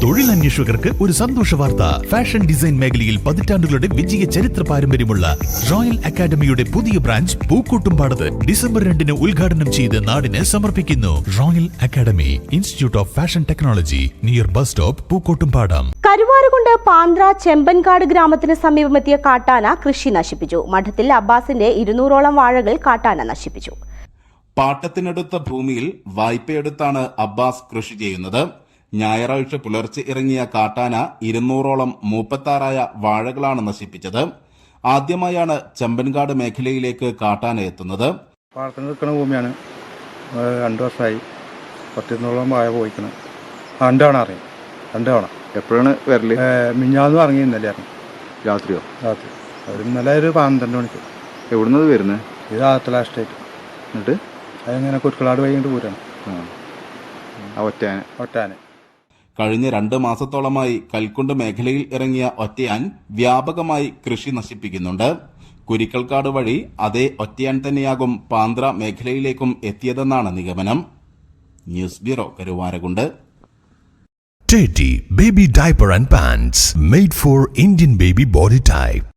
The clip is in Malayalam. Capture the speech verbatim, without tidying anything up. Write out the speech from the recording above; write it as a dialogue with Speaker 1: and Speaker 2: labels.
Speaker 1: തൊഴിലന്വേഷകർക്ക് ഒരു സന്തോഷ വാർത്ത. ഫാഷൻ ഡിസൈൻ മേഖലയിൽ പതിറ്റാണ്ടുകളുടെ വിജയ ചരിത്ര പാരമ്പര്യമുള്ള റോയൽ അക്കാദമിയുടെ പുതിയ ബ്രാഞ്ച് പൂക്കോട്ടുംപാടത്ത് ഡിസംബർ രണ്ടിന് ഉദ്ഘാടനം ചെയ്ത് നാടിന് സമർപ്പിക്കുന്നു. Royal academy, institute of fashion technology, near bus stop, Pookkottumpadam.
Speaker 2: Karuvarakundu Panthra Chembankad ഗ്രാമത്തിന് സമീപമെത്തിയ കാട്ടാന കൃഷി നശിപ്പിച്ചു. മഠത്തിൽ അബ്ബാസിന്റെ ഇരുന്നൂറോളം വാഴകൾ കാട്ടാന നശിപ്പിച്ചു.
Speaker 3: പാട്ടത്തിനടുത്ത ഭൂമിയിൽ വായ്പയെടുത്താണ് അബ്ബാസ് കൃഷി ചെയ്യുന്നത്. ഞായറാഴ്ച പുലർച്ചെ ഇറങ്ങിയ കാട്ടാന ഇരുന്നൂറോളം മൂപ്പത്താറായ വാഴകളാണ് നശിപ്പിച്ചത്. ആദ്യമായാണ് ചെമ്പൻകാട് മേഖലയിലേക്ക് കാട്ടാന എത്തുന്നത്.
Speaker 4: പാടത്തിന് നിൽക്കുന്ന ഭൂമിയാണ്. രണ്ടു വർഷമായി പത്തിരുന്നൂറോളം വാഴ പോയിക്കണം. രണ്ട് തവണ അറിയാം. രണ്ട് തവണ.
Speaker 5: എപ്പോഴാണ് വരല്?
Speaker 4: മിഞ്ഞാന്ന് ഇറങ്ങി, ഇന്നലെ ഇറങ്ങി.
Speaker 5: രാത്രിയോ?
Speaker 4: രാത്രി. ഒരു ഇന്നലെ ഒരു പന്ത്രണ്ട് മണിക്ക്.
Speaker 5: എവിടുന്നത് വരുന്നത്?
Speaker 4: ഇത് ആത്തല എസ്റ്റേറ്റ്.
Speaker 5: എന്നിട്ട്
Speaker 4: അതിങ്ങനെ കുരുക്കളാട് വൈകിട്ട് പോരാണ്.
Speaker 5: ഒറ്റാന
Speaker 4: ഒറ്റാന
Speaker 3: കഴിഞ്ഞ രണ്ട് മാസത്തോളമായി കൽക്കുണ്ട് മേഖലയിൽ ഇറങ്ങിയ ഒറ്റയാൻ വ്യാപകമായി കൃഷി നശിപ്പിക്കുന്നുണ്ട്. കുരിക്കൽക്കാട് വഴി അതേ ഒറ്റയാൻ തന്നെയാകും പാന്ത്ര മേഖലയിലേക്കും എത്തിയതെന്നാണ് നിഗമനം. News bureau, Karuvarakundu.
Speaker 1: Teddy Baby Diaper and Pants made for Indian baby body type.